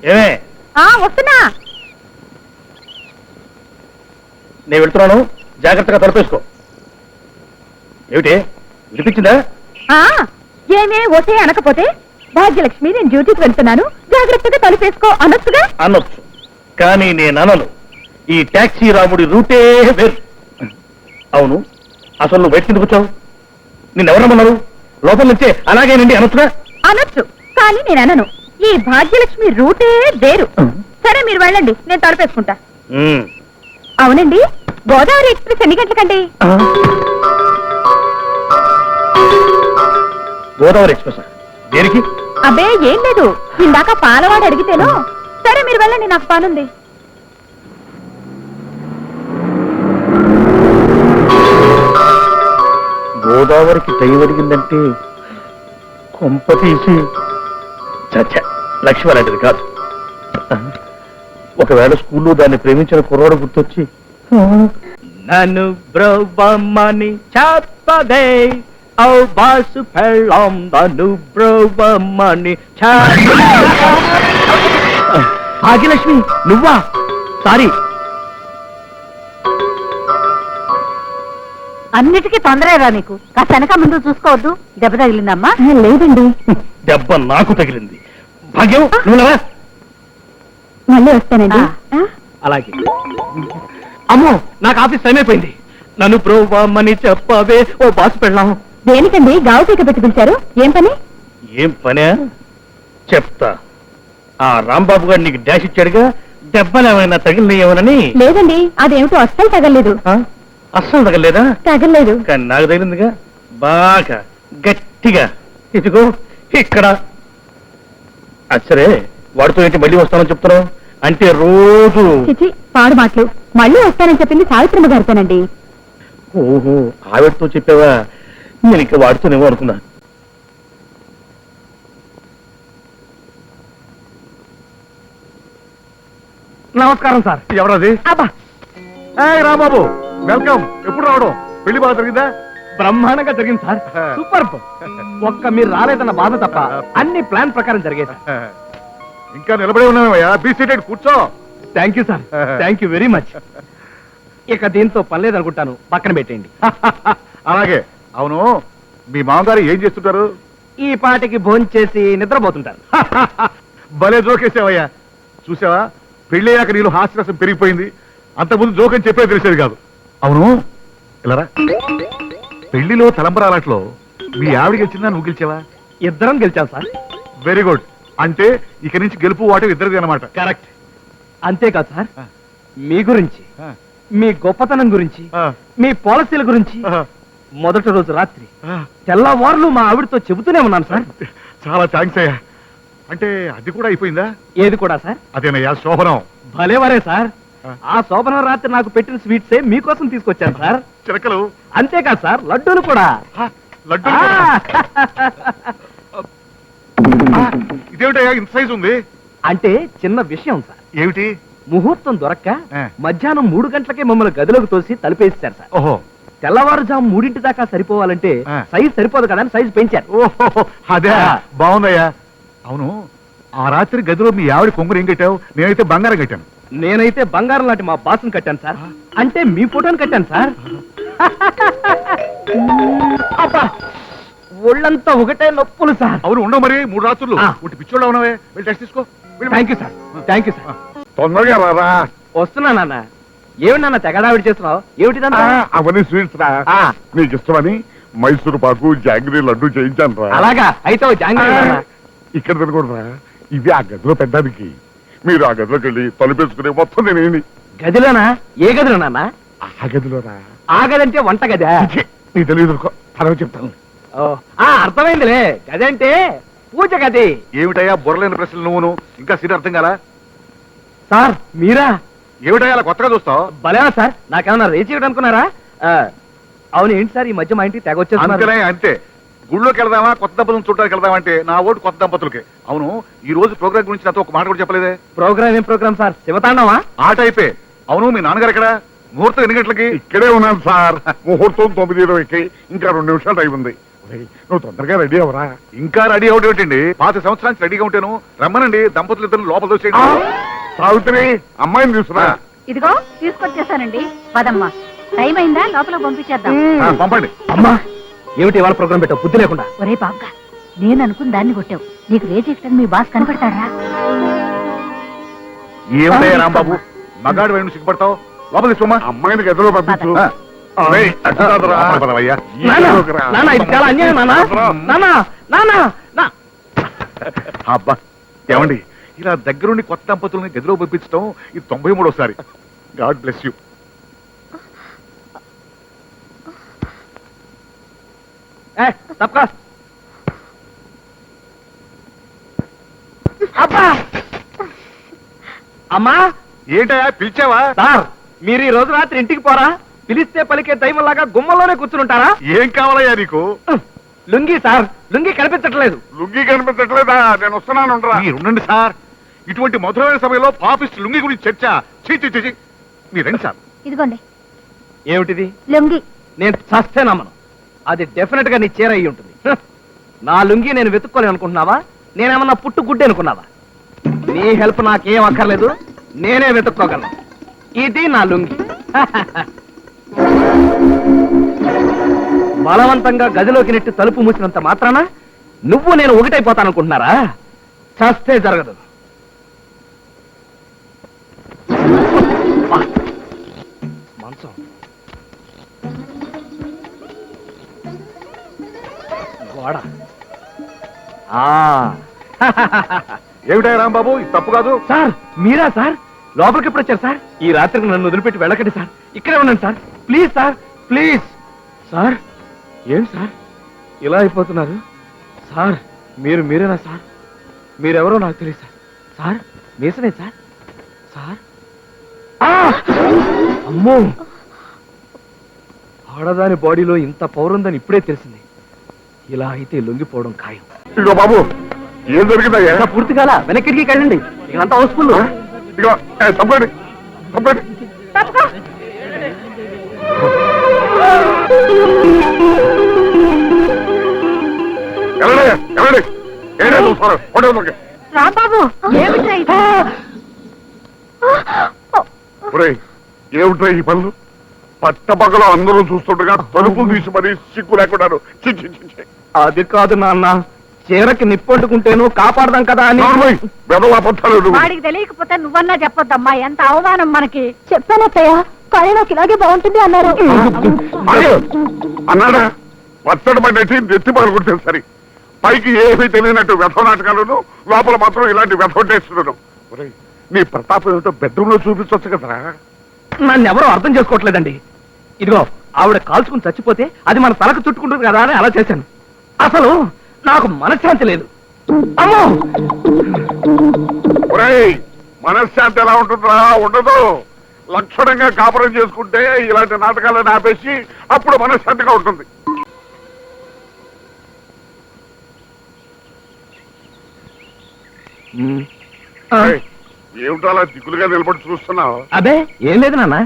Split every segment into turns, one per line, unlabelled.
ఏమే
వస్తున్నా.
నేను వెళ్తున్నాను, జాగ్రత్తగా తలపేసుకో. ఏమిటి వినిపించిందా?
ఏమే ఓటే అనకపోతే భాగ్యలక్ష్మి నేను డ్యూటీకి వెళ్తున్నాను జాగ్రత్తగా తలుపేసుకో అనొచ్చుగా.
అనొచ్చు, కానీ నేను అనను. ఈ టాక్సీ రాముడి రూటే వేరు. అవును, అసలు నువ్వు బయట కిందకు వచ్చావు? నిన్నెవరమ్మన్నారు? లోపల నుంచే అలాగేనండి అనొచ్చుగా.
అనొచ్చు, కానీ నేను అనను. ఈ భాగ్యలక్ష్మి రూటే వేరు. సరే మీరు వెళ్ళండి, నేను తలుపేసుకుంటా. అవునండి, గోదావరి ఎక్స్ప్రెస్ ఎన్ని గంటలకండి?
గోదావరి ఎక్స్ప్రెస్ దేనికి?
అబ్బే ఏం లేదు, ఇందాక పాలవాడు అడిగితేను. సరే మీరు వెళ్ళండి, నాకు పనుంది.
గోదావరికి టైం అడిగిందంటే కొంప తీసి చచ్చ లక్ష్మి అలాంటిది కాదు. ఒకవేళ స్కూల్లో దాన్ని ప్రేమించిన కుర్రాడు గుర్తొచ్చి నన్ను బ్రోవమని చెప్పదే ఓ బాసు పెళ్ళాం నన్ను బ్రోవమని. భాగ్యలక్ష్మి నువ్వా? సారీ.
అన్నిటికీ తొందరగా నీకు. కాస్త వెనక ముందు చూసుకోవద్దు. దెబ్బ తగిలిందమ్మా? లేదండి.
దెబ్బ నాకు తగిలింది. భాగ్యం నువ్వులవా?
మళ్ళీ వస్తానండి.
అలాగే. అమ్మో, నాకు ఆఫీస్ టైం అయిపోయింది. నన్ను బ్రోవమని చెప్పవే ఓ బాసు పెళ్ళాం.
దేనికండి గావు పీక పెట్టి పిలిచారు? ఏం పని?
ఏం పనే చెప్తా. ఆ రాంబాబు గారు నీకు డాష్ ఇచ్చాడుగా, దెబ్బలు ఏమైనా తగిలినాయేమోనని.
లేదండి, అదేమిటో అస్సలు తగలేదు.
అస్సలు తగలేదా?
తగలేదు.
కానీ నాకు తగిలిందిగా, బాగా గట్టిగా. ఇదిగో ఇక్కడ. సరే, వాడితో ఏంటి మళ్ళీ వస్తానని చెప్తున్నావు? అంటే రోజు
చిచి పాడు మాటలు. మళ్ళీ వస్తానని చెప్పింది సావిత్రమ్మ గారితోనండి.
ఓహో, ఆవిడతో చెప్పావా? నేను ఇంకా వాడుతూనేమో అనుకున్నా. నమస్కారం సార్.
ఎవరది?
అబ్బా,
రాంబాబు వెల్కమ్. ఎప్పుడు రావడం? పెళ్లి బాగా జరిగిందా?
బ్రహ్మాండంగా జరిగింది సార్. సూపర్. ఒక్క మీరు రాలేదన్న బాధ తప్ప అన్ని ప్లాన్ ప్రకారం జరిగేది.
ఇంకా నిలబడి ఉన్నావయ్యా, బీ సీటెడ్, కూర్చో.
Thank you sir, thank you very much. ఇక దీంతో పని లేదనుకుంటాను, పక్కన పెట్టేయండి.
అలాగే. అవును, మీ మామగారు ఏం చేస్తుంటారు?
ఈ పాటికి భోంచేసి నిద్రపోతుంటారు.
భలే జోకేసావయ్యా. చూసావా, పెళ్ళయ్యాక నీళ్ళు హాస్యరసం పెరిగిపోయింది. అంతకుముందు జోకని చెప్పే తెలిసేది కాదు. అవును, ఇలారా. పెళ్లిలో తలంబరాలట్లో మీ ఆవిడ గెలిచిందా, నువ్వు గెలిచావా?
ఇద్దరం గెలిచాం సార్.
Very good. అంటే ఇక నుంచి గెలుపు వాటి ఇద్దరిది అన్నమాట.
కరెక్ట్. అంతేకాదు సార్, మీ గురించి, మీ గొప్పతనం గురించి, మీ పాలసీల గురించి మొదటి రోజు రాత్రి తెల్లవారులు మా ఆవిడతో చెబుతూనే ఉన్నాను సార్.
చాలా థ్యాంక్స్ అయ్యా. అంటే అది కూడా అయిపోయిందా?
ఏది కూడా సార్?
అదేనయ్యా శోభనం.
భలేవరే సార్. ఆ శోభనం రాత్రి నాకు పెట్టిన స్వీట్సే మీకోసం తీసుకొచ్చాను సార్.
చిలకలు.
అంతేకాదు సార్, లడ్డూలు కూడా.
లడ్డు. ఇదేమిటయ్యా ఇంత సైజు ఉంది?
అంటే చిన్న విషయం సార్.
ఏమిటి?
ముహూర్తం దొరక్క మధ్యాహ్నం 3 గంటలకే మమ్మల్ని గదిలోకి తోసి తలుపేస్తారు సార్.
ఓహో.
తెల్లవారుజాము 3 దాకా సరిపోవాలంటే సైజు సరిపోదు కదా అని సైజు పెంచారు.
ఓహో, అదే బాగుందయ్యా. అవును, ఆ రాత్రి గదిలో మీ ఆవిడ కొంగురు ఏం కట్టావు? నేనైతే బంగారం కట్టాను.
నేనైతే బంగారం లాంటి మా బాస్ని కట్టాను సార్. అంటే మీ ఫోటోని కట్టాను సార్. అబ్బా, ఒళ్ళంతా ఒకటే నొప్పులు సార్.
అవును, ఉండవు మరి 3 రాత్రులు. ఒకటి పిచ్చోళ్ళు అవునవే. వెళ్ళి టెస్ట్ తీసుకో.
Thank you sir, thank you sir.
తొందరగా రారా.
వస్తున్నా నాన్న. ఏమి నాన్న తెగడావిడి చేస్తున్నావు? ఏమిటి?
అవన్నీ స్వీట్స్ రా. నీకు ఇష్టమని మైసూరు పాకు, జాంగ్రీ లడ్డు చేయించాను రా.
అలాగా? అయితే జాంగ్రీ
ఇక్కడ తినకూడదురా, ఇది ఆ గదిలో పెట్టడానికి. మీరు ఆ గదిలోకి వెళ్ళి తలుపేసుకునే మొత్తం నేనేమి.
గదిలోనా? ఏ గదిలో నాన్న?
ఆ గదిలోరా.
ఆ గది అంటే వంట గదా?
నీ తెలియదు, తర్వాత చెప్తాను.
అర్థమైందిలే. గది అంటే పూజ గది.
ఏమిటయ్యా బుర్రలేని ప్రశ్నలు నువ్వును? ఇంకా సీట్ అర్థం కాలా?
సార్ మీరా?
ఏమిటయ్యా అలా కొత్తగా చూస్తావు?
భలేనా సార్, నాకేమన్నా రేచి ఇవ్వడం అనుకున్నారా? అవును, ఏంటి సార్ ఈ మధ్య మా ఇంటికి తెగ వచ్చేస్తున్నారు?
అంతే. గుళ్ళోకి వెళ్దామా, కొత్త దంపతులను చూడడానికి వెళ్దామా అంటే నా ఓటు కొత్త దంపతులకి. అవును, ఈ రోజు ప్రోగ్రామ్ గురించి నాతో ఒక మాట కూడా చెప్పలేదే.
ప్రోగ్రామ్ ఏం ప్రోగ్రామ్ సార్? శివతాండవా?
ఆట అయిపోయి. అవును, మీ నాన్నగారు ఎక్కడ? ముహూర్తం ఎన్ని గంటలకి? ఇక్కడే ఉన్నాను సార్. ముహూర్తం 9:20కి. ఇంకా 2 నిమిషాలు టైం ఉంది. ఒరేయ్, నువ్వు తొందరగా రెడీ అవరా. ఇంకా రెడీ అవడం ఏంటండి? 5 సంవత్సరానికి రెడీగా ఉంటాను. రమ్మనండి, దంపతులు ఇద్దరు లోపల దోసేయండి. సావిత్రి, అమ్మాయిని తీసుకురా.
ఇదిగో తీసుకొచ్చేసానండి. పదమ్మా, టైం అయిందా? లోపల పంపించేద్దాం.
పంపండి.
అమ్మా ఏమిటి ఇవాళ ప్రోగ్రామ్ పెట్టావు బుద్ధి లేకుండా?
ఒరే బాబుగా, నేను అనుకున్న దాన్ని కొట్టావు. నీకు రేజ్ ఎక్కడని మీ బాస్ కనపడతాడా?
ఏమిటయ్యా రాంబాబు, మగాడు వైపు సిగ్గుపడతావు? లోపల తీసుకోమా. అమ్మాయిని గదిలో పంపించు. ఒరేయ్, అటు కాదురా. పదవయ్యా.
ఇది చాలా అన్యాయం
అబ్బా, ఏమండి, ఇలా దగ్గరుండి కొత్త దంపతుల్ని గదిలో పంపించడం ఇది 93సారి. God bless you.
అమ్మా
ఏంటయ్యా పిలిచావా?
సార్, మీరు ఈ రోజు రాత్రి ఇంటికి పోరా? పిలిస్తే పలికే దైవంలాగా గుమ్మలోనే కూర్చుంటారా?
ఏం కావాలయ్యా నీకు?
లుంగి సార్, లుంగి కనిపించట్లేదు.
లుంగి కనిపించట్లేదా? నేను వస్తున్నాను. ఉండండి సార్, ఇటువంటి మధురమైన సమయంలో పాపిస్ట్ లుంగి గురించి చర్చ. చీ, మీరు రండి సార్.
ఇదిగోండి
ఏమిటిది?
లొంగి.
నేను చస్తే నమ్మను. అది డెఫినెట్ గా నీ చీర అయి ఉంటుంది. నా లుంగి నేను వెతుక్కోలేను అనుకుంటున్నావా? నేనేమన్నా పుట్టు గుడ్డి అనుకున్నావా? నీ హెల్ప్ నాకేం అక్కర్లేదు, నేనే వెతుక్కోగలను. ఇది నా లుంగి. బలవంతంగా గదిలోకి నెట్టి తలుపు మూసినంత మాత్రాన నువ్వు నేను ఒకటైపోతాననుకుంటున్నారా? చస్తే జరగదు. మంచం, గోడ.
ఏమిటయ్యా రాంబాబు, ఇది తప్పు కాదు.
సార్, మీరా సార్? లోపలికి ఎప్పుడు వచ్చారు సార్? ఈ రాత్రికి నన్ను వదిలిపెట్టి వెళ్ళకండి సార్. ఇక్కడే ఉండండి sir. Please sir, please. Sir, ఏం సార్ ఇలా అయిపోతున్నారు? సార్, మీరేనా సార్? మీరెవరో నాకు తెలియదు సార్. సార్, మీసనే సార్? సార్, అమ్మో, ఆడదాని బాడీలో ఇంత పౌరుందని ఇప్పుడే తెలిసింది. ఇలా అయితే లొంగిపోవడం ఖాయం.
ఇదిగో బాబు, ఏం జరిగిందయ్యా?
ఇంకా పూర్తి కాల, వెనక్కి వెళ్ళండి. ఇదంతా హౌస్ఫుల్.
ఇదిగో తప్పండి.
రాంబాబు, ఏమిట్రా ఇది?
ఏమిట్రా ఈ పనులు? పట్టపగలు అందరూ చూస్తుండగా తలుపులు తీసి మరీ సిగ్గు లేకున్నారు.
అది కాదు నాన్న, చీరకి నిప్పొట్టుకుంటేను కాపాడదాం కదా అని.
వాడికి తెలియకపోతే నువ్వన్నా చెప్పొద్దమ్మా, ఎంత అవమానం మనకి. చెప్పానత్తయ్య, కానీ నాకు ఇలాగే బాగుంటుంది అన్నారు.
అన్నాడా? పచ్చడి పడినట్టు నెత్తి పగలుకుంటే సరి. పైకి ఏమీ తెలియనట్టు వ్యథ నాటకాలను, లోపల మాత్రం ఇలాంటి వ్యథ టేస్తున్నాను. నీ ప్రతాపం ఏమిటో బెడ్రూమ్ లో చూపించవచ్చు కదరా.
నన్ను ఎవరో అర్థం చేసుకోవట్లేదండి. ఇదిగో, ఆవిడ కాల్చుకుని చచ్చిపోతే అది మన తలకు చుట్టుకుంటుంది కదా అని అలా చేశాను. అసలు నాకు మనశ్శాంతి లేదు. అమ్మో,
మనశ్శాంతి ఎలా ఉంటుందా? ఉండదు. లక్షణంగా కాపురం చేసుకుంటే ఇలాంటి నాటకాలను ఆపేసి అప్పుడు మనశ్శాంతిగా ఉంటుంది. ఏమిటో అలా దిగులుగా నిలబడి చూస్తున్నావు?
అదే ఏం లేదు నాన్న.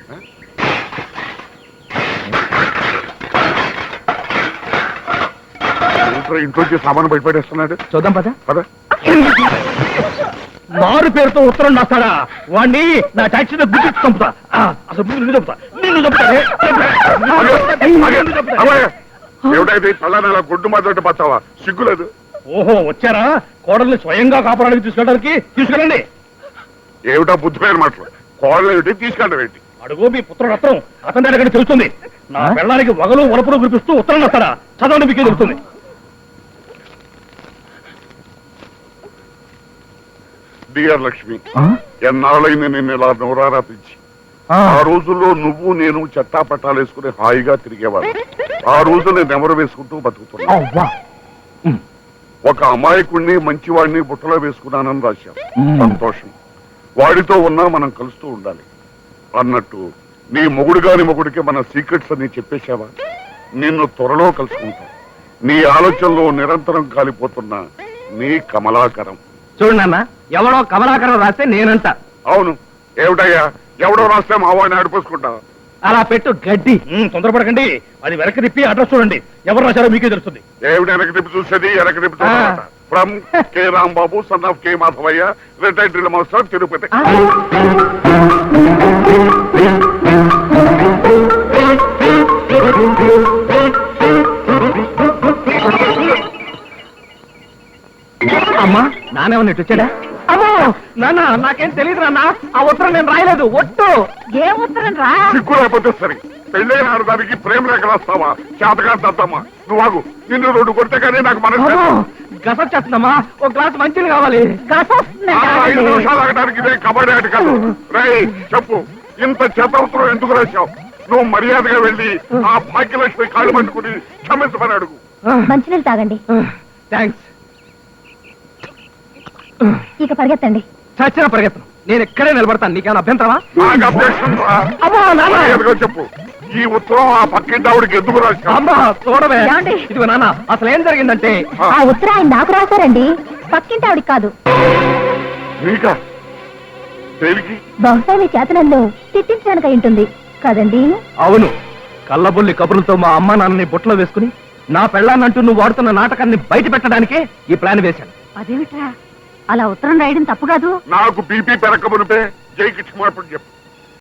ఇంట్లోంచి సామాను బయటపడేస్తున్నాడు.
చూద్దాం పద.
పద.
మారు పేరుతో ఉత్తరం రాస్తాడా? వాణ్ణి నా టాక్సీలో గుర్తించి చంపుతా. అసలు నిన్ను చంపుతా.
ఏమిటైతే తల్లనలా గుడ్డు మాత్రం పచ్చావా? సిగ్గులేదు.
ఓహో, వచ్చారా? కోడల్ని స్వయంగా కాపాడానికి తీసుకెళ్ళండి.
ఏమిటా బుద్ధిపోయిన మాటలు? కోడలు ఏమిటి, తీసుకెళ్ళడం ఏంటి?
అడుగు, మీ పుత్రుడు రత్నం అతని దగ్గర తెలుస్తుంది. నా పెళ్ళానికి వగలు వలపులు గురిపిస్తూ ఉత్తరం రాస్తాడా? చదవండి, మీకే తెలుస్తుంది.
డియర్ లక్ష్మి, ఎన్నాళ్ళైంది నిన్ను ఇలా నోరారా పిలిచి. ఆ రోజుల్లో నువ్వు నేను చట్టా పట్టాలు వేసుకుని హాయిగా తిరిగేవాడు. ఆ రోజు నేను నెమరు వేసుకుంటూ బతుకుతున్నా. ఒక అమాయకుడిని మంచివాడిని బుట్టలో వేసుకున్నానని రాశాం. సంతోషం. వాడితో ఉన్నా మనం కలుస్తూ ఉండాలి అన్నట్టు నీ మొగుడు గాని మొగుడికి మన సీక్రెట్స్ అని చెప్పేశావా? నిన్ను త్వరలో కలుసుకుంటా. నీ ఆలోచనలో నిరంతరం కాలిపోతున్న నీ కమలాకరం.
చూడు నాన్న, ఎవడో కమలాకరం రాస్తే నేనంట.
అవును, ఏమిటయ్యా, ఎవడో రాస్తే మా వాడిని ఆడిపోసుకుంటా.
అలా పెట్టు గడ్డి తొందరపడకండి. అది వెనక్కి తిప్పి అడ్రస్ చూడండి. ఎవరు రాశారో మీకే తెలుస్తుంది.
ఏమిటి వెనక తిప్పి చూసేది? వెనక తిప్పి from K Rambabu son of K Madhavayya, retired drill master, Tirupati.
అమ్మా నానేమన్నా ఇటు వచ్చాడా? అమ్మో నాన్న, నాకేం తెలియదు నాన్న. ఆ ఉత్తరం నేను రాయలేదు. ఒట్టు.
ఏ ఉత్తరం రా?
సిగ్గు లేకపోతే సరే, పెళ్ళైన ఆడదానికి ప్రేమ లేఖ రాస్తావా? చేతగా దద్దమ్మా, నువ్వు ఆగు. నిన్ను 2 కొడితే కానీ నాకు మనసు
గసొచ్చేస్తుందమ్మా. ఒక గ్లాస్ మంచిది కావాలి.
ఆ 5 నిమిషాలు ఆగడానికి ఇదే కబడ్డీ ఆట కాదు. రేయ్ చెప్పు, ఇంత చేతవసరం ఎందుకు రాశావు? నువ్వు మర్యాదగా వెళ్ళి ఆ భాగ్యలక్ష్మి కాళ్ళు పట్టుకుని క్షమించమని అడుగు.
మంచినీళ్ళు తాగండి.
థ్యాంక్స్.
ఇక పరిగెత్తండి.
చచ్చిన పరిగెత్తను. నేను ఎక్కడే నిలబడతాను. నీకేమైనా అభ్యంతరమా?
నాకు అభ్యక్షం రా.
అమ్మా నాన్న.
మర్యాదగా చెప్పు, ఈ ఉత్తరం ఆ పక్కింటి ఆవిడకి ఎందుకు రాశావు?
అమ్మా చూడవే.
ఏమండి?
ఇదిగో నాన్న, అసలు ఏం జరిగిందంటే
ఆ ఉత్తరం ఆయన నాకు రాశారండి, పక్కింటి ఆవిడికి కాదు.
నీకా? దేనికి?
బహుశా మీ చేత నన్ను తిట్టించడానికి అయి ఉంటుంది కదండి.
అవును, కళ్ళబుల్లి కబుర్లతో మా అమ్మ నాన్నని బుట్టలో వేసుకుని నా పెళ్ళాన్నంటూ నువ్వు వాడుతున్న నాటకాన్ని బయట పెట్టడానికే ఈ ప్లాన్ వేశాను.
అదేమిట్రా, అలా ఉత్తరం రాయడం తప్పు కాదు.
నాకు బీపీ పెరగమునిపే జైకి క్షమాపణ చెప్పు.